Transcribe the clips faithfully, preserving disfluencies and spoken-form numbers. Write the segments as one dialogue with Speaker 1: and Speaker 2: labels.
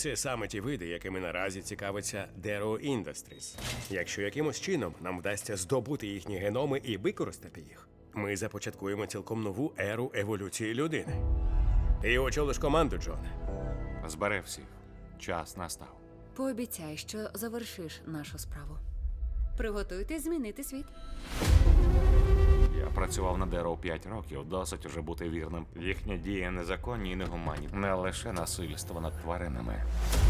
Speaker 1: Це саме ті види, якими наразі цікавиться Darrow Industries. Якщо якимось чином нам вдасться здобути їхні геноми і використати їх, ми започаткуємо цілком нову еру еволюції людини. Ти очолиш команду, Джон.
Speaker 2: Збере всіх. Час настав.
Speaker 3: Пообіцяй, що завершиш нашу справу. Приготуйтесь змінити світ.
Speaker 2: Я працював на Дарроу п'ять років, досить уже бути вірним. Їхні дії незаконні і негуманні. Не лише насильство над тваринами,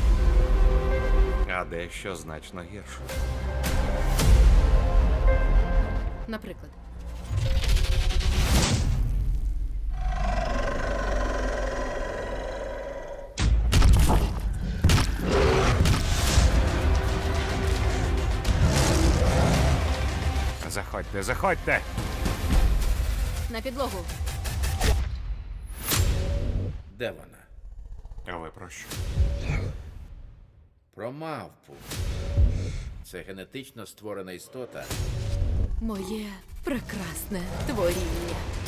Speaker 2: а дещо значно гірше.
Speaker 3: Наприклад,
Speaker 2: Заходьте, заходьте!
Speaker 3: на підлогу.
Speaker 4: Де вона?
Speaker 2: А ви про що?
Speaker 4: Про мавпу. Це генетично створена істота,
Speaker 3: Моє прекрасне творіння.